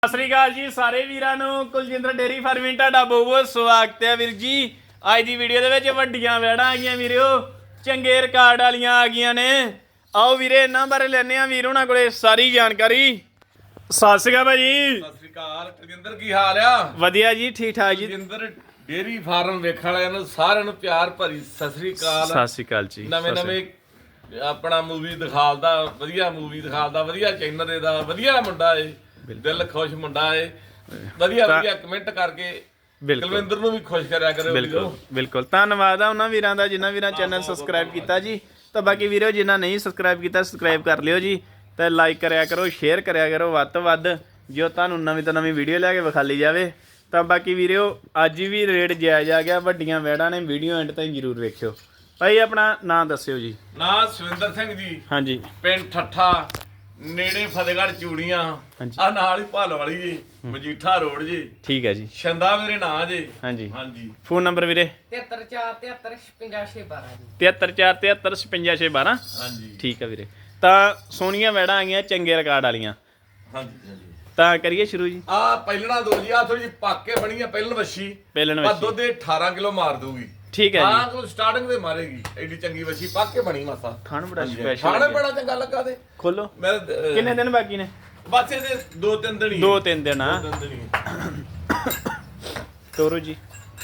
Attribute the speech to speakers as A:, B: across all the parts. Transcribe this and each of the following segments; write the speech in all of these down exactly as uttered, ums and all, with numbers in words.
A: ਸਤਿ ਸ੍ਰੀ ਅਕਾਲ ਜੀ ਸਾਰੇ ਵੀਰਾਂ ਨੂੰ। ਕੁਲਜਿੰਦਰ ਡੇਰੀ ਫਾਰਮਿੰਗ ਤੁਹਾਡਾ ਬਹੁਤ ਬਹੁਤ ਸਵਾਗਤ ਹੈ ਵੀਰ ਜੀ। ਅੱਜ ਦੀ ਵੀਡੀਓ ਦੇ ਵਿੱਚ ਵੱਡੀਆਂ ਵੈੜਾਂ ਆ ਗਈਆਂ ਵੀਰੋ, ਚੰਗੇ ਰਿਕਾਰਡ ਵਾਲੀਆਂ ਆ ਗਈਆਂ ਨੇ। ਆਓ ਵੀਰੇ ਇਹਨਾਂ ਬਾਰੇ ਲੈਣੇ ਆ ਵੀਰ ਉਹਨਾਂ ਕੋਲੇ ਸਾਰੀ ਜਾਣਕਾਰੀ। ਸਤਿ ਸ੍ਰੀ ਅਕਾਲ ਭਾਜੀ।
B: ਸਤਿ ਸ੍ਰੀ ਅਕਾਲ ਕੁਲਜਿੰਦਰ, ਕੀ ਹਾਲ ਆ?
A: ਵਧੀਆ ਜੀ, ਠੀਕ ਠਾਕ ਜੀ।
B: ਕੁਲਜਿੰਦਰ ਡੇਰੀ ਫਾਰਮ ਵੇਖਣ ਵਾਲਿਆਂ ਨੂੰ ਸਾਰਿਆਂ ਨੂੰ ਪਿਆਰ ਭਰੀ ਸਤਿ ਸ੍ਰੀ ਅਕਾਲ।
A: ਸਤਿ ਸ੍ਰੀ ਅਕਾਲ ਜੀ।
B: ਨਵੇਂ ਨਵੇਂ ਆਪਣਾ ਮੂਵੀ ਦਿਖਾਲਦਾ, ਵਧੀਆ ਮੂਵੀ ਦਿਖਾਲਦਾ, ਵਧੀਆ ਚੈਨਲ ਇਹਦਾ, ਵਧੀਆ ਮੁੰਡਾ ਏ, ਦਿਲ ਖੁਸ਼ ਮੁੰਡਾ ਏ, ਵਧੀਆ ਵਧੀਆ ਕਮੈਂਟ ਕਰਕੇ ਕੁਲਵਿੰਦਰ ਨੂੰ ਵੀ ਖੁਸ਼ ਕਰਿਆ ਕਰੋ।
A: ਬਿਲਕੁਲ ਬਿਲਕੁਲ ਧੰਨਵਾਦ ਆ ਉਹਨਾਂ ਵੀਰਾਂ ਦਾ ਜਿਨ੍ਹਾਂ ਵੀਰਾਂ ਚੈਨਲ ਸਬਸਕ੍ਰਾਈਬ ਕੀਤਾ ਜੀ। ਤਾਂ ਬਾਕੀ ਵੀਰੋ ਜਿਨ੍ਹਾਂ ਨਹੀਂ ਸਬਸਕ੍ਰਾਈਬ ਕੀਤਾ ਸਬਸਕ੍ਰਾਈਬ ਕਰ ਲਿਓ ਜੀ, ਤੇ ਲਾਈਕ ਕਰਿਆ ਕਰੋ, ਸ਼ੇਅਰ ਕਰਿਆ ਕਰੋ ਵੱਧ ਤੋਂ ਵੱਧ, ਜੋ ਤੁਹਾਨੂੰ ਨਵੀਂ ਤੋਂ ਨਵੀਂ ਵੀਡੀਓ ਲੈ ਕੇ ਵਿਖਾਲੀ ਜਾਵੇ। ਤਾਂ ਬਾਕੀ ਵੀਰੋ ਅੱਜ ਵੀ ਰੇਟ ਜਾਇਜ਼ ਆ ਗਿਆ, ਵੱਡੀਆਂ ਵੈੜਾਂ ਨੇ, ਵੀਡੀਓ ਐਂਡ ਤਾਈਂ ਜ਼ਰੂਰ ਵੇਖਿਓ। ਭਾਈ ਆਪਣਾ ਨਾਂ ਦੱਸਿਓ ਜੀ।
B: ਨਾਂ ਸੁਵਿੰਦਰ ਸਿੰਘ ਜੀ,
A: ਹਾਂਜੀ।
B: ਪਿੰਡ ਠੱਠਾ, ਨੇੜੇ ਫਤਿਹਗੜ੍ਹ ਚੂੜੀਆਂ, ਆ ਨਾਲ ਹੀ ਭਾਲ ਵਾਲੀ ਜੀ, ਮਜੀਠਾ ਰੋਡ ਜੀ।
A: ਠੀਕ ਹੈ ਜੀ।
B: ਛੰਦਾ ਮੇਰੇ ਨਾਂ ਜੀ।
A: ਹਾਂਜੀ
B: ਹਾਂਜੀ।
A: ਫੋਨ ਨੰਬਰ ਵੀਰੇ
C: ਤਿਹੱਤਰ ਚਾਰ ਤਿਹੱਤਰ ਛਪੰਜਾ ਛੇ ਬਾਰਾਂ ਜੀ।
A: ਤਿਹੱਤਰ ਚਾਰ ਤਿਹੱਤਰ ਛਪੰਜਾ ਛੇ ਬਾਰਾਂ।
B: ਹਾਂਜੀ
A: ਠੀਕ ਆ ਵੀਰੇ। ਤਾਂ ਸੋਹਣੀਆਂ ਵੈੜਾਂ ਆ ਗਈਆਂ, ਚੰਗੇ ਰਿਕਾਰਡ ਵਾਲੀਆਂ।
B: ਹਾਂਜੀ ਹਾਂਜੀ।
A: ਤਾਂ ਕਰੀਏ ਸ਼ੁਰੂ ਜੀ।
B: ਆ ਪਹਿਲਣਾ ਦੋ ਜੀ, ਆ ਥੋੜੀ ਜਿਹੀ ਪਾਕੇ ਬਣੀ ਆ ਪਹਿਲਣ ਵੱਛੀ,
A: ਪਹਿਲਣ
B: ਆ
A: ਵੱਛੀ।
B: ਦੁੱਧ ਇਹ ਅਠਾਰਾਂ ਕਿਲੋ ਮਾਰ ਦੂਗੀ।
A: ਠੀਕ ਹੈ ਜੀ।
B: ਹਾਂ ਕੋਲ ਸਟਾਰਟਿੰਗ ਤੇ ਮਾਰੇਗੀ, ਐਡੀ ਚੰਗੀ ਵੱਛੀ ਪਾਕੇ ਬਣੀ ਮਾਸਾ।
A: ਖਾਣ ਬੜਾ
B: ਹਾਂਜੀ,
A: ਸਪੈਸ਼ਲ
B: ਖਾਣੇ ਬੜਾ ਚੰਗਾ ਲੱਗਾ ਤੇ
A: ਖੋਲੋ।
B: ਮੈਂ
A: ਕਿੰਨੇ ਦਿਨ ਬਾਕੀ ਨੇ?
B: ਬਸ ਇਹਦੇ ਦੋ ਤਿੰਨ ਦਿਨ ਹੀ
A: ਦੋ ਤਿੰਨ ਦਿਨ ਆ।
B: ਦੋ ਤਿੰਨ ਦਿਨ ਹੀ।
A: ਤੋਰੋ ਜੀ।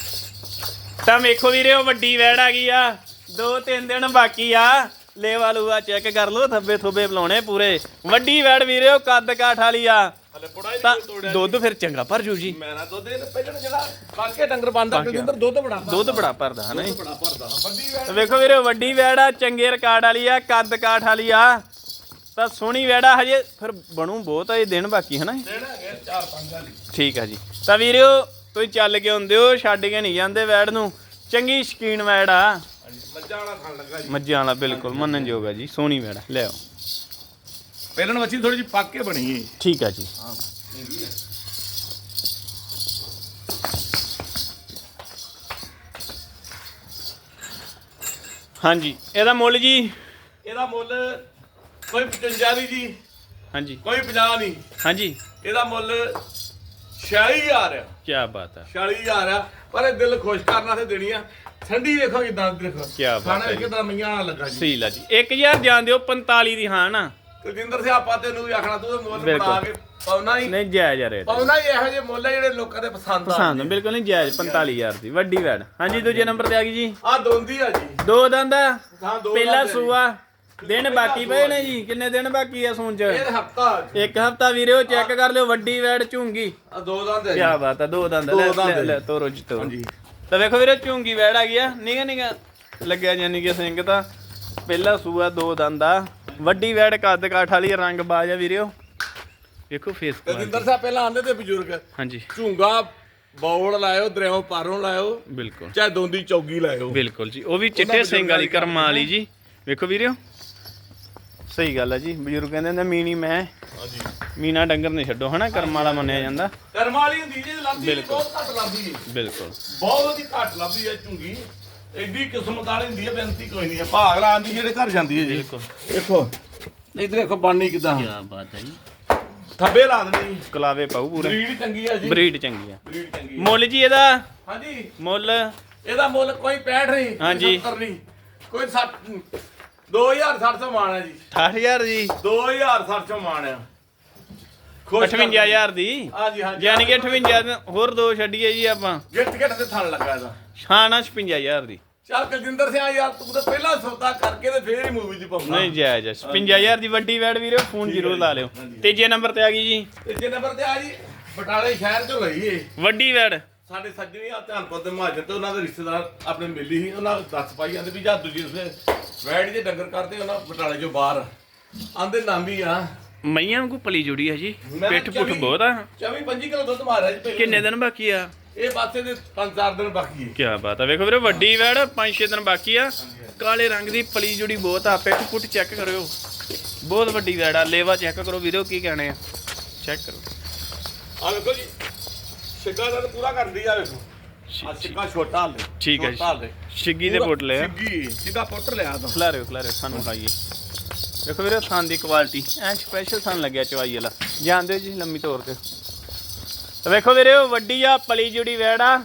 A: ਤਾਂ ਵੇਖੋ ਵੀਰੇ ਉਹ ਵੱਡੀ ਵੈੜ ਆ ਗਈ ਆ, ਦੋ ਤਿੰਨ ਦਿਨ ਬਾਕੀ ਆ। ਲੇਵਾ ਲੂਆ ਚੈੱਕ ਕਰ ਲਓ, ਥੱਬੇ ਥੁੱਬੇ ਬੁਲਾਉਣੇ ਪੂਰੇ। ਵੱਡੀ ਵੈੜ ਵੀਰੇ ਉਹ ਕੱਦ ਕਾਠ ਵਾਲੀ ਆ।
B: ਹਲੇ ਪੁੜਾ ਹੀ
A: ਤਾਂ
B: ਨਹੀਂ ਤੋੜਿਆ।
A: ਦੁੱਧ ਫਿਰ ਚੰਗਾ ਭਰ ਜੂ ਜੀ।
B: ਮੈਂ ਨਾ ਦੁੱਧ ਇਹ ਪਹਿਲਣ ਜਿਹੜਾ ਪਾਕੇ ਡੰਗਰ ਬੰਦਾ ਕੁਲਜਿੰਦਰ ਦੁੱਧ ਬੜਾ
A: ਦੁੱਧ ਬੜਾ ਭਰਦਾ ਹਨਾ ਜੀ।
B: ਬੜਾ ਭਰਦਾ ਵੱਡੀ ਵੈੜ।
A: ਵੇਖੋ ਵੀਰੇ ਵੱਡੀ ਵੈੜ ਆ, ਚੰਗੇ ਰਿਕਾਰਡ ਵਾਲੀ ਆ, ਕੱਦ ਕਾਠ ਵਾਲੀ ਆ। ਤਾਂ ਸੋਹਣੀ ਵੈੜਾ ਹਜੇ ਫਿਰ ਬਣੂ ਬਹੁਤ ਆ, ਇਹ ਦਿਨ ਬਾਕੀ ਹਨਾ।
B: ਦਿਨ ਹੈਗੇ ਚਾਰ ਪੰਜ ਵਾਲੀ।
A: ਠੀਕ ਆ ਜੀ। ਤਾਂ ਵੀਰਿਓ ਤੁਸੀਂ ਚੱਲ ਕੇ ਆਉਂਦੇ ਹੋ, ਛੱਡ ਕੇ ਨਹੀਂ ਜਾਂਦੇ ਵੈੜ ਨੂੰ। ਚੰਗੀ ਸ਼ਕੀਨ ਵੈੜ ਆ,
B: ਹਾਂਜੀ, ਮੱਝਾਂ ਵਾਲਾ ਖਾਣ ਲੱਗਾ ਜੀ।
A: ਮੱਝਾਂ ਵਾਲਾ ਬਿਲਕੁਲ ਮੰਨਣਯੋਗ ਆ ਜੀ। ਸੋਹਣੀ ਵੈੜ ਲੈ ਆਓ।
B: ਪਹਿਲਣ ਵੱਛੀ ਥੋੜੀ ਜਿਹੀ ਪਾਕੇ ਬਣੀ ਏ।
A: ਠੀਕ ਆ ਜੀ।
B: ਹਾਂ
A: ਹਾਂਜੀ ਇਹਦਾ ਮੁੱਲ ਜੀ?
B: ਇਹਦਾ ਮੁੱਲ ਕੋਈ ਪਚਵੰਜਾ ਦੀ ਜੀ,
A: ਹਾਂਜੀ
B: ਕੋਈ ਪੰਜਾਹ ਨਹੀਂ।
A: ਹਾਂਜੀ
B: ਇਹਦਾ ਮੁੱਲ ਛਿਆਲੀ ਹਜ਼ਾਰ ਆ।
A: ਕੀ ਬਾਤ ਆ,
B: ਛਿਆਲੀ ਹਜ਼ਾਰ ਆ, ਪਰ ਇਹ ਦਿਲ ਖੁਸ਼ ਕਰਨ ਵਾਸਤੇ ਦੇਣੀ ਆ। ਠੰਡੀ ਵੇਖੋ ਕਿਦਾਂ ਦੇਖੋ,
A: ਕਿਆ ਬਾਤ ਹੈ ਜੀ।
B: ਕਿਦਾਂ ਮਈਆਂ ਨਾਲ ਲੱਗਾ ਜੀ।
A: ਸਹੀ ਲਾ ਜੀ। ਇੱਕ ਹਜ਼ਾਰ ਜਾਣ ਦਿਓ, ਪੰਤਾਲੀ ਦੀ ਹਾਂ ਨਾ।
B: ਕੁਲਜਿੰਦਰ ਸਿਆਪਾ ਤੈਨੂੰ ਵੀ ਆਖਣਾ, ਤੂੰ ਮੁੱਲ
A: ਬਿਲਕੁਲ।
B: ਬਣਾ ਕੇ ਪਾਉਣਾ ਹੀ
A: ਨਹੀਂ ਜਾਇਜ਼ ਆ ਰੇਟ,
B: ਪਾਉਣਾ ਹੀ। ਇਹੋ ਜਿਹੇ ਮੁੱਲ ਆ ਜਿਹੜੇ ਲੋਕਾਂ ਦੇ ਪਸੰਦ ਆ।
A: ਪਸੰਦ ਬਿਲਕੁਲ ਨਹੀਂ ਜਾਇਜ਼। ਪੰਤਾਲੀ ਹਜ਼ਾਰ ਦੀ ਵੱਡੀ ਵੈੜ। ਹਾਂਜੀ ਦੂਜੇ ਨੰਬਰ ਤੇ ਆ ਗਈ ਜੀ।
B: ਆ ਦੋਂਦੀ ਆ ਜੀ।
A: ਦੋ ਦੰਦ ਆ,
B: ਹਾਂ ਦੋ
A: ਪਹਿਲਾ
B: ਦੰਦ ਆ ਜੀ।
A: ਸੂਆ। ਦਿਨ ਬਾਕੀ ਪਏ ਨੇ ਜੀ। ਕਿੰਨੇ ਦਿਨ ਬਾਕੀ ਆ ਸੂਣ ਚ?
B: ਇਹ ਹਫਤਾ
A: ਇੱਕ ਹਫਤਾ ਵੀਰੇ ਉਹ ਚੈੱਕ ਕਰ ਲਿਓ। ਵੱਡੀ ਵੈੜ ਝੂੰਗੀ।
B: ਆ ਦੋ ਦੰਦ ਆ ਜੀ।
A: ਕੀ ਬਾਤ ਆ, ਦੋ ਦੰਦ।
B: ਦੋ
A: ਲੈ
B: ਦੰਦ
A: ਲੈ
B: ਆ
A: ਲੈ
B: ਜੀ।
A: ਤੋਰੋ ਜੀ ਤੋਰੋ।
B: ਹਾਂਜੀ।
A: ਤਾਂ ਵੇਖੋ ਵੀਰੇ ਝੂੰਗੀ ਵੈੜ ਆ ਗਈ ਆ, ਨਿਗਾ ਨਿਗਾ ਲੱਗਿਆ ਜਾਨੀ ਕਿ ਸਿੰਘ। ਤਾਂ ਪਹਿਲਾ ਸੂਆ, ਦੋ ਦੰਦ ਆ, ਵੱਡੀ ਵੈੜ, ਕੱਦ ਕਾਠ ਵਾਲੀ, ਰੰਗ ਬਾਜ ਆ ਵੀਰਿਓ। ਵੇਖੋ ਫੇਸ
B: ਕੁਲਜਿੰਦਰ ਸਾਹਿਬ ਪਹਿਲਾਂ ਆਂਦੇ ਤੇ ਬਜ਼ੁਰਗ
A: ਹਾਂਜੀ
B: ਝੂੰਗਾ ਬੌਲ ਲਾਇਓ, ਦਰਿਆਓ ਪਾਰੋਂ ਲਾਇਓ,
A: ਬਿਲਕੁਲ
B: ਚਾਹੇ ਦੋਂਦੀ ਚੌਗੀ ਲਾਇਓ।
A: ਬਿਲਕੁਲ ਜੀ। ਉਹ ਵੀ ਚਿੱਟੇ ਸਿੰਘ ਵਾਲੀ, ਕਰਮਾਂ ਵਾਲੀ ਜੀ। ਵੇਖੋ ਵੀਰਿਓ ਸਹੀ ਗੱਲ ਆ ਜੀ। ਬਜ਼ੁਰਗ ਕਹਿੰਦੇ ਹੁੰਦੇ ਮੀਣੀ ਮੈਂ
B: ਹਾਂਜੀ।
A: ਮੀਨਾ ਡੰਗਰ ਨਹੀਂ ਛੱਡੋ ਹਨਾ, ਕਰਮਾਂ ਵਾਲਾ ਮੰਨਿਆ ਜਾਂਦਾ।
B: ਕਰਮ ਵਾਲੀ ਹੁੰਦੀ ਜੇ ਲੱਭਦੀ
A: ਬਿਲਕੁਲ।
B: ਬਹੁਤ ਘੱਟ ਲੱਭਦੀ ਹੈ,
A: ਬਿਲਕੁਲ
B: ਬਹੁਤ ਹੀ ਘੱਟ ਲੱਭਦੀ ਹੈ ਝੂੰਗੀ। ਐਡੀ ਕਿਸਮਤ ਵਾਲੀ ਹੁੰਦੀ ਹੈ, ਬੇਨਤੀ ਕੋਈ ਨਹੀਂ ਹੈ। ਭਾਗ ਲਾਉਂਦੀ ਜਿਹੜੇ ਘਰ ਜਾਂਦੀ ਹੈ ਜੀ।
A: ਬਿਲਕੁਲ।
B: ਦੇਖੋ ਇੱਧਰ ਦੇਖੋ ਬਾਨੀ ਕਿਦਾਂ
A: ਕੀ ਬਾਤ ਹੈ ਜੀ।
B: ਥੱਬੇ ਲਾ ਦੇਣੀ।
A: ਕਲਾਵੇ ਪਾਉ ਪੂਰੇ।
B: ਬਰੀਡ ਚੰਗੀ ਹੈ ਜੀ।
A: ਬਰੀਡ ਚੰਗੀ ਆ।
B: ਬਰੀਡ ਚੰਗੀ ਹੈ।
A: ਮੁੱਲ ਜੀ ਇਹਦਾ?
B: ਹਾਂਜੀ
A: ਮੁੱਲ
B: ਇਹਦਾ ਮੁੱਲ ਕੋਈ ਪੈਂਹਠ ਨਹੀਂ, ਕੋਈ
A: ਹਾਂਜੀ।
B: ਸੱਤਰ ਨਹੀਂ, ਕੋਈ ਸੱਠ ਨਹੀਂ। ਦੋ ਹਜ਼ਾਰ ਸੱਠ ਸੌ ਮਾਣ ਹੈ ਜੀ।
A: ਅਠਾਹਠ ਹਜ਼ਾਰ ਜੀ।
B: ਦੋ ਹਜ਼ਾਰ ਸੱਠ ਸੌ ਮਾਣ ਆ। ਖੁਸ਼ ਕਰ
A: ਅਠਵੰਜਾ ਹਜ਼ਾਰ ਦੀ।
B: ਹਾਂਜੀ ਹਾਂਜੀ।
A: ਯਾਨੀ ਕਿ ਅਠਵੰਜਾ ਦਿਨ ਹੋਰ ਦੋ ਛੱਡੀਏ ਜੀ ਆਪਾਂ।
B: ਗਿੱਟ ਗਿੱਟ ਤੇ ਥਣ ਲੱਗਾ ਇਹਦਾ।
A: ਛਾਣਾ ਛਪੰਜਾ ਹਜ਼ਾਰ ਦੀ।
B: ਚੱਲ ਕੁਲਜਿੰਦਰ ਸਿੰਘ ਯਾਰ, ਤੂੰ ਤਾਂ ਪਹਿਲਾਂ ਸੌਦਾ ਕਰਕੇ ਤੇ ਫੇਰ ਹੀ ਮੂਵੀ 'ਚ ਪਾਉਣਾ।
A: ਨਹੀਂ ਜਾਇਜ਼। ਛਪੰਜਾ ਹਜ਼ਾਰ ਦੀ ਵੱਡੀ ਵੈੜ ਵੀਰੇ, ਫੋਨ ਜ਼ਰੂਰ ਲਾ ਲਿਓ।
B: ਹਾਂਜੀ।
A: ਤੀਜੇ ਨੰਬਰ ਤੇ ਆ ਗਈ ਜੀ
B: ਤੀਜੇ ਨੰਬਰ ਤੇ ਆ ਜੀ, ਬਟਾਲੇ ਸ਼ਹਿਰ 'ਚੋਂ ਲਈ ਏ।
A: ਵੱਡੀ ਵੈੜ।
B: ਸਾਡੇ ਸੱਜਣੀ ਆ ਧਿਆਨਪੁਰ ਦੇ ਮਹਾਜਨ ਤੇ ਉਹਨਾਂ ਦੇ ਰਿਸ਼ਤੇਦਾਰ ਆਪਣੇ ਮਿਲੀ ਸੀ। ਉਹਨਾਂ ਦੱਸ ਪਾਈ ਜਾਂਦੇ ਵੀ ਜਾਂ ਦੂਜੀ ਉਸੇ ਵੈੜ ਜੇ ਡੰਗਰ ਕਰਦੇ ਉਹਨਾਂ ਬਟਾਲੇ 'ਚੋਂ ਬਾਹਰ ਆਂਦੇ ਨਾਮੀ ਆ।
A: ਮਈਆਂ ਵਾਂਗੂ ਪਲੀ ਜੁੜੀ ਆ ਜੀ।
B: ਮੈਂ
A: ਪਿੱਠ ਪੁੱਠ
B: ਚੌਵੀ
A: ਬਹੁਤ ਆ।
B: ਚੌਵੀ ਪੰਜੀ ਕਿਲੋ ਦੁੱਧ ਮਾਰਿਆ ਜੀ ਪਹਿਲੇ।
A: ਕਿੰਨੇ ਦਿਨ ਬਾਕੀ ਆ?
B: ਇਹ ਪਾਸੇ ਦੇ ਪੰਜ ਚਾਰ ਦਿਨ ਬਾਕੀ ਏ।
A: ਕੀ ਬਾਤ ਆ। ਵੇਖੋ ਵੀਰੇ ਵੱਡੀ ਵੈੜ, ਪੰਜ ਛੇ ਦਿਨ ਬਾਕੀ ਆ। ਕਾਲੇ ਰੰਗ ਦੀ ਪਲੀ ਜੁੜੀ ਬਹੁਤ ਆ। ਪਿੱਠ ਪੁੱਠ ਚੈੱਕ ਕਰਿਓ, ਬਹੁਤ ਵੱਡੀ ਵੈੜ ਆ। ਲੇਵਾ ਚੈੱਕ ਕਰੋ ਵੀਰੇ, ਕੀ ਕਹਿਣੇ ਆ ਚੈੱਕ ਕਰੋ।
B: ਆ ਵੇਖੋ ਜੀ, ਛਿੱਗਾ ਦਾ ਤਾਂ ਪੂਰਾ ਕਰਦੀ ਆ। ਵੇਖੋ ਆ ਛਿੱਗਾ ਛੋਟਾ ਹਾਲੇ।
A: ਠੀਕ ਹੈ
B: ਛੋਟਾ ਹਾਲੇ।
A: ਛਿੱਗੀ ਦੇ ਪੁੱਟ ਲਿਆ।
B: ਛਿੱਗੀ ਸਿੱਧਾ ਪੁੱਟ ਲਿਆ ਤਾਂ।
A: ਖਿਲਾਰਿਓ ਖਿਲਾਰਿਓ ਸਾਨੂੰ ਖਾਈਏ। ਦੇਖੋ ਵੀਰੇ ਥਣ ਦੀ ਕੁਆਲਿਟੀ ਐ ਸਪੈਸ਼ਲ ਥਣ ਲੱਗਿਆ ਚਵਾਈ ਵਾਲਾ। ਜਾਂਦੇ ਜੀ ਲੰਮੀ ਤੌਰ ਤੇ ਤੇ ਵੇਖੋ ਵੀਰੇ ਉਹ ਵੱਡੀ ਆ ਪਲੀ ਜੁੜੀ ਵੈੜ ਆ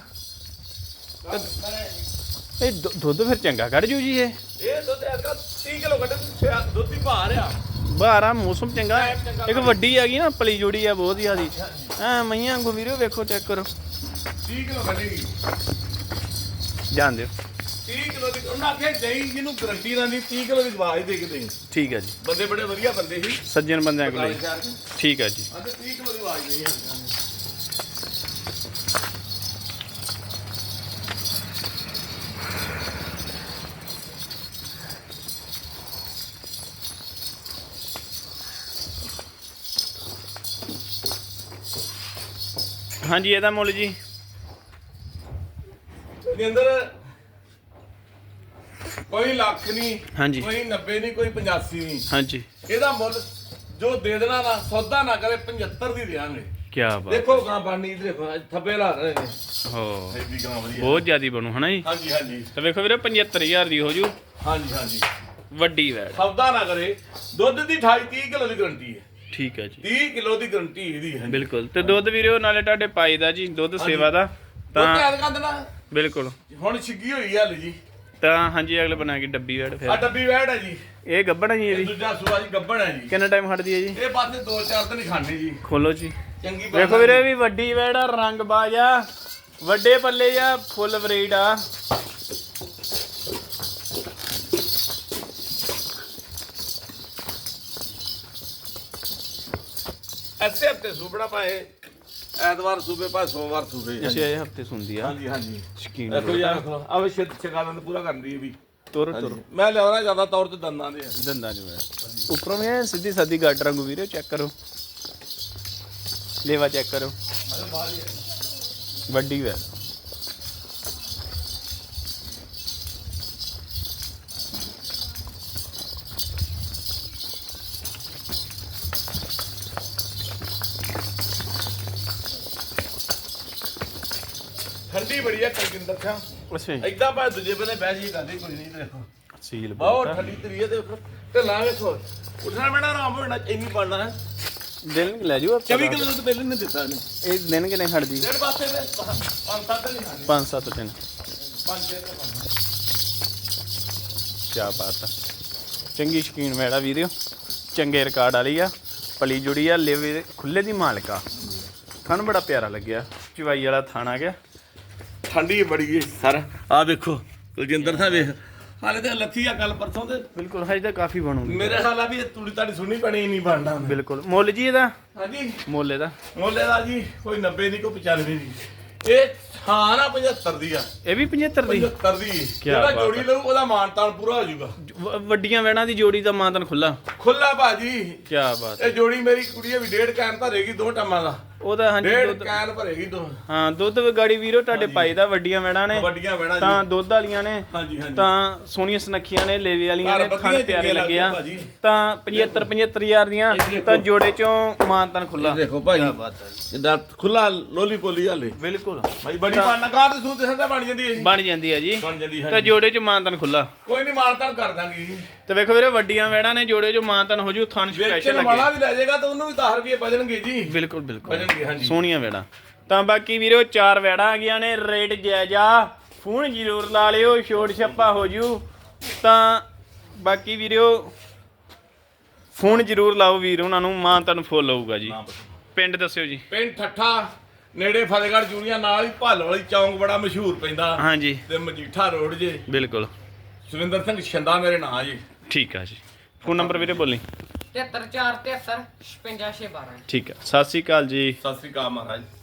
A: ਇਹ ਦੁ- ਦੁੱਧ ਫਿਰ ਚੰਗਾ ਕੱਢ ਜੂ ਜੀ ਇਹ
B: ਇਹ ਦੁੱਧ ਐਤਕਾਂ ਤੀਹ ਕਿਲੋ ਕੱਢ ਦੁੱਧ ਹੀ ਭਾਰ ਆ
A: ਬਾਹਰਾ ਮੌਸਮ ਚੰਗਾ ਇੱਕ ਵੱਡੀ ਹੈਗੀ ਨਾ ਪਲੀ ਜੁੜੀ ਆ ਬਹੁਤ ਜ਼ਿਆਦੀ ਐ ਮਈਆਂ ਵਾਂਗੂ ਵੀਰੇ ਵੇਖੋ ਚੈੱਕ ਕਰੋ
B: ਤੀਹ ਕਿਲੋ ਕੱਢੇਗੀ
A: ਜਾਣ ਦਿਓ
B: ਤੀਹ ਕਿਲੋ ਦੀ ਉਹਨਾਂ ਆਖਿਆ ਦਹੀਂ ਜਿਹਨੂੰ ਗਰੰਟੀ ਨਾਲ ਨਹੀਂ ਤੀਹ ਕਿਲੋ ਦੀ ਆਵਾਜ਼ ਦੇ ਕੇ ਦੇਈ
A: ਠੀਕ ਹੈ ਜੀ
B: ਬੰਦੇ ਬੜੇ ਵਧੀਆ ਬੰਦੇ ਸੀ
A: ਸੱਜਣ ਬੰਦਿਆਂ ਕੋਲ
B: ਸ਼ਹਿਰ ਚ
A: ਠੀਕ ਹੈ ਜੀ
B: ਆਂਦੇ ਤੀਹ ਕਿਲੋ ਦੀ ਆਵਾਜ਼ ਦੇਈ
A: ਹਾਂਜੀ ਇਹਦਾ ਮੁੱਲ ਜੀ
B: ਦੇ ਅੰਦਰ ਕੋਈ ਲੱਖ ਨਹੀਂ
A: ਹਾਂਜੀ
B: ਕੋਈ ਨੱਬੇ ਨਹੀਂ ਕੋਈ ਪਚਾਸੀ ਨਹੀਂ
A: ਹਾਂਜੀ
B: ਇਹਦਾ ਮੁੱਲ ਜੋ ਦੇ ਦੇਣਾ ਨਾ ਸੌਦਾ ਨਾ ਕਰੇ ਪਝੱਤਰ ਦੀ ਦੇਾਂਗੇ
A: ਕੀ ਬਾਤ
B: ਦੇਖੋ ਗਾਂ ਬਾਨੀ ਦੇਖੋ ਅੱਜ ਥੱਬੇ ਲਾ ਰਹੇ ਨੇ
A: ਹੋ
B: ਐਡੀ ਗਾਂ ਵਧੀਆ
A: ਬਹੁਤ ਜ਼ਿਆਦੀ ਬਣੂ ਹਨਾ ਜੀ
B: ਹਾਂਜੀ ਹਾਂਜੀ
A: ਤੇ ਵੇਖੋ ਵੀਰੇ ਪਝੱਤਰ ਹਜ਼ਾਰ ਦੀ ਹੋ ਜੂ
B: ਹਾਂਜੀ ਹਾਂਜੀ
A: ਵੱਡੀ ਵੈੜ
B: ਸੌਦਾ ਨਾ ਕਰੇ ਦੁੱਧ ਦੀ ਅਠਾਈ ਤੀਹ ਕਿਲੋ ਦੀ ਗਰੰਟੀ ਹੈ
A: ਠੀਕ ਹੈ ਜੀ
B: ਤੀਹ ਕਿਲੋ ਦੀ ਗਰੰਟੀ ਇਹਦੀ ਹੈ
A: ਬਿਲਕੁਲ ਤੇ ਦੁੱਧ ਵੀਰੇ ਉਹ ਨਾਲੇ ਤੁਹਾਡੇ ਪਾਈ ਦਾ ਜੀ ਦੁੱਧ ਸੇਵਾ ਦਾ
B: ਤਾਂ
A: ਤਾਂ
B: ਯਾਦ ਕਰ ਦੇਣਾ
A: ਬਿਲਕੁਲ
B: ਹੁਣ ਛਿੱਗੀ ਹੋਈ ਹੈ ਹਲੇ ਜੀ
A: ਤਾਂ ਹਾਂਜੀ ਅਗਲੇ ਬਣਾ ਕੇ ਡੱਬੀ ਵੈੜ
B: ਆ
A: ਫਿਰ
B: ਡੱਬੀ ਵੈੜ ਹੈ ਜੀ
A: ਇਹ ਗੱਬੜ ਹੈ ਜੀ
B: ਇਹ
A: ਇਹਦੀ
B: ਦੂਜਾ ਸੂਆ ਜੀ ਗੱਬਣ ਹੈ ਜੀ
A: ਕਿੰਨਾ ਟਾਈਮ ਹਟਦੀ ਹੈ ਜੀ
B: ਇਹ ਪਾਸੇ ਦੋ ਚਾਰ ਦਿਨ ਹੀ ਖਾਣੇ ਜੀ
A: ਖੋਲੋ ਜੀ
B: ਚੰਗੀ ਬਾਤ
A: ਵੇਖੋ ਵੀਰੇ ਵੀ ਵੱਡੀ ਵੈੜ ਆ ਰੰਗ ਬਾਜ ਆ ਵੱਡੇ ਪੱਲੇ ਆ ਫੁੱਲ ਬਰੀਡ ਆ
B: ਐਸੇ ਹਫਤੇ ਸੂਬੜਾ ਪਾਏ ਐਤਵਾਰ ਸੂਬੇ ਪਾਏ ਸੋਮਵਾਰ ਸੂਬੇ
A: ਅੱਛਾ ਇਹ ਹਫਤੇ ਸੁਣਦੀ ਆ
B: ਹਾਂਜੀ ਹਾਂਜੀ
A: ਸ਼ਕੀਨ
B: ਦੇਖੋ ਯਾਰ ਆਵੇ ਛੇਤ ਛਕਾਲਨ ਪੂਰਾ ਕਰਦੀ ਹੈ ਵੀ
A: ਤੁਰ ਤੁਰ
B: ਮੈਂ ਲਿਆਉਣਾ ਜ਼ਿਆਦਾ ਤੌਰ ਤੇ ਦੰਦਾਂ ਦੇ
A: ਦੰਦਾਂ ਚ ਉੱਪਰੋਂ ਵੀ ਐਨ ਸਿੱਧੀ ਸਾਦੀ ਗੱਡ ਰੰਗੂ ਵੀਰੇ ਚੈੱਕ ਕਰੋ ਲੇਵਾ ਚੈੱਕ ਕਰੋ ਵੱਡੀ ਵੈ
B: ਠੰਡੀ ਬੜੀ ਹੈ ਕਲਕਿੰਦਰ ਖਾਂ
A: ਅੱਛਾ ਜੀ
B: ਏਦਾਂ ਭਾਵੇਂ ਦੂਜੇ ਬੰਨੇ ਬਹਿ ਜੀ ਕਰਦੇ ਕੋਈ ਨਹੀਂ ਦੇਖੋ
A: ਸੀਲ
B: ਬਹੁਤ ਠੰਡੀ ਤਰੀ ਹੈ ਦੇਖੋ ਤੇ ਲਾ ਵੇਖੋ ਉੱਠਣਾ ਬੈਣਾ ਆਰਾਮ ਹੋਣਾ ਇੰਨੀ ਬਣਨਾ ਹੈ
A: ਦਿਨ ਲੈ ਜਾਓ
B: ਚੌਵੀ ਕਿਲੋ ਦੁੱਧ ਪਹਿਲੇ ਨੇ ਦਿੱਤਾ ਨੇ
A: ਇਹ ਦਿਨ ਕਿਨੇ ਖੜਦੀ
B: ਡੇਢ ਪਾਸੇ ਨੇ ਪੰਜ ਸੱਤ ਨਹੀਂ ਖਾਣੇ
A: ਪੰਜ ਸੱਤ ਦਿਨ
B: ਪੰਜ ਛੇ ਤੇ ਪੰਜ
A: ਕੀ ਬਾਤ ਆ ਚੰਗੀ ਸ਼ਕੀਨ ਮੈੜਾ ਵੀਰਿਓ ਚੰਗੇ ਰਿਕਾਰਡ ਵਾਲੀ ਆ ਪਲੀ ਜੁੜੀ ਆ ਲੇਵੇ ਖੁੱਲੇ ਦੀ ਮਾਲਕਾ ਥਣ ਬੜਾ ਪਿਆਰਾ ਲੱਗਿਆ ਚਵਾਈ ਵਾਲਾ ਥਣ ਆ ਗਿਆ
B: ਠੰਡੀ ਬੜੀ ਹੈ ਸਰ ਆ ਵੇਖੋ ਕੁਲਜਿੰਦਰ ਸਾਹਿਬ ਵੇਖ ਹਾਲੇ ਤੇ ਲੱਥੀ ਆ ਕੱਲ ਪਰਸੋਂ ਤੇ
A: ਬਿਲਕੁਲ ਹਜੇ ਤਾਂ ਕਾਫੀ ਬਣੂਗੀ
B: ਮੇਰੇ ਖਿਆਲ ਆ ਵੀ ਇਹ ਤੂੜੀ ਤਾੜੀ ਸੁਣਨੀ ਪੈਣੀ ਨਹੀਂ ਬਣਦਾ
A: ਬਿਲਕੁਲ ਮੁੱਲ ਜੀ ਇਹਦਾ
B: ਹਾਂਜੀ
A: ਮੁੱਲ ਇਹਦਾ
B: ਮੁੱਲੇ ਦਾ ਜੀ ਕੋਈ ਨੱਬੇ ਦੀ ਕੋਈ ਪਚਾਨਵੇਂ ਦੀ ਇਹ ਹਾਂ ਨਾ ਪਝੱਤਰ ਦੀ ਆ
A: ਇਹ ਵੀ ਪਝੱਤਰ ਦੀ
B: ਪਝੱਤਰ ਦੀ ਜਿਹੜਾ
A: ਬਾਤ
B: ਜੋੜੀ
A: ਹੈ।
B: ਲਊ ਉਹਦਾ ਮਾਨਤਾਨ ਪੂਰਾ ਹੋ ਜਾਊਗਾ
A: ਵ- ਵੱਡੀਆਂ ਵੈਣਾਂ ਦੀ ਜੋੜੀ ਦਾ ਮਾਂਤਨ ਖੁੱਲਾ
B: ਖੁੱਲਾ ਭਾਜੀ
A: ਕੀ ਬਾਤ
B: ਇਹ ਜੋੜੀ ਮੇਰੀ ਕੁੜੀ ਵੀ ਡੇਢ ਕੈਨ ਭਰੇਗੀ ਦੋ ਟਮਾਂ ਦਾ
A: ਉਹਦਾ ਹਾਂਜੀ
B: ਡੇਢ
A: ਦੁੱਧ
B: ਕੈਨ ਭਰੇਗੀ ਦੋ
A: ਹਾਂ ਦੁੱਧ ਗਾੜੀ ਵੀਰੋ ਤੁਹਾਡੇ ਪਾਈ ਦਾ ਵੱਡੀਆਂ ਵੈਣਾਂ ਨੇ
B: ਵੱਡੀਆਂ ਵੈਣਾ ਜੀ
A: ਤਾਂ ਦੁੱਧ ਵਾਲੀਆਂ ਨੇ
B: ਹਾਂਜੀ ਹਾਂਜੀ
A: ਤਾਂ ਸੋਹਣੀਆਂ ਸੁਨੱਖੀਆਂ ਨੇ ਲੇਵੇ ਵਾਲੀਆਂ
B: ਘਰ
A: ਨੇ
B: ਵਧੀਆ
A: ਥਣ ਪਿਆਰੇ
B: ਚੰਗੇ
A: ਲੱਗੇ ਆ
B: ਭਾਜੀ।
A: ਤਾਂ ਪਝੱਤਰ ਪਝੱਤਰ ਹਜ਼ਾਰ ਦੀਆਂ ਤਾਂ ਜੋੜੇ ਚੋਂ ਮਾਨਤਨ ਖੁੱਲਾ
B: ਦੇਖੋ ਭਾਜੀ ਜਿੱਦਾਂ ਖੁੱਲਾ ਲੋਲੀ ਪੋਲੀ ਹਾਲੇ
A: ਬਿਲਕੁਲ
B: ਭਾਈ ਬੜੀ ਪਾਣਾ ਕਾਰ ਤੇ ਸੂਤ ਸੰਦਾ ਬਣ ਜਾਂਦੀ ਹੈ
A: ਬਣ ਜਾਂਦੀ ਆ ਜੀ
B: ਬਣ ਜਾਂਦੀ ਹੈ
A: ਤਾਂ ਜੋੜੇ ਚ ਮਾਨਤਨ ਖੁੱਲਾ
B: ਕੋਈ ਨਹੀਂ ਮਾਨਤਾਨ ਕਰ ਦਾਂਗੇ ਜੀ
A: ਤੇ ਵੇਖੋ ਵੀਰੇ ਵੱਡੀਆਂ ਵੈੜਾਂ ਨੇ ਜੋੜੇ ਚੋਂ ਮਾਨਤਨ ਹੋ ਜੂ ਥਣ ਸਪੈਸ਼ਲ
B: ਵੇਚਣ
A: ਲੱਗੇ
B: ਵਾਲਾ ਵੀ ਲੈ ਜਾਏਗਾ ਤਾਂ ਉਹਨੂੰ ਵੀ ਦਸ ਰੁਪਏ ਬਚਣਗੇ ਜੀ
A: ਬਿਲਕੁਲ ਬਿਲਕੁਲ
B: ਬਚਣਗੇ ਹਾਂਜੀ
A: ਸੋਹਣੀਆਂ ਵੈੜਾਂ ਤਾਂ ਬਾਕੀ ਵੀਰੋ ਚਾਰ ਵੈੜਾਂ ਆ ਗਈਆਂ ਨੇ ਰੇਟ ਜਾਇਜ਼ਾ ਫੋਨ ਜ਼ਰੂਰ ਲਾ ਲਿਓ ਛੋਟ ਛੱਪਾ ਹੋ ਜੂ ਤਾਂ ਬਾਕੀ ਵੀਰੋ ਫੋਨ ਜ਼ਰੂਰ ਲਾਓ ਵੀਰ ਉਹਨਾਂ ਨੂੰ ਮਾਂ ਤੁਹਾਨੂੰ ਫੁੱਲ ਹੋਊਗਾ ਜੀ ਪਿੰਡ ਦੱਸਿਓ ਜੀ
B: ਪਿੰਡ ਠੱਠਾ ਨੇੜੇ ਫਤਿਹਗੜ੍ਹ ਜੂੜੀਆਂ ਨਾਲ ਹੀ ਭਾਲ ਵਾਲੀ ਚੌਂਕ ਬੜਾ ਮਸ਼ਹੂਰ ਪੈਂਦਾ
A: ਹਾਂਜੀ
B: ਤੇ ਮਜੀਠਾ ਰੋਡ ਜੇ
A: ਬਿਲਕੁਲ
B: ਸੁਰਿੰਦਰ ਸਿੰਘ ਛੰਦਾ ਮੇਰੇ ਨਾਂ ਜੀ
A: ਠੀਕ ਆ ਜੀ ਫੋਨ ਨੰਬਰ ਵੀਰੇ ਬੋਲੀ
C: ਤਿਹੱਤਰ ਚਾਰ ਤਿਹੱਤਰ ਛਪੰਜਾ ਛੇ ਬਾਰਾਂ
A: ਠੀਕ ਆ ਸਤਿ ਸ਼੍ਰੀ ਅਕਾਲ ਜੀ
B: ਸਤਿ ਸ੍ਰੀ ਅਕਾਲ ਮਹਾਰਾਜ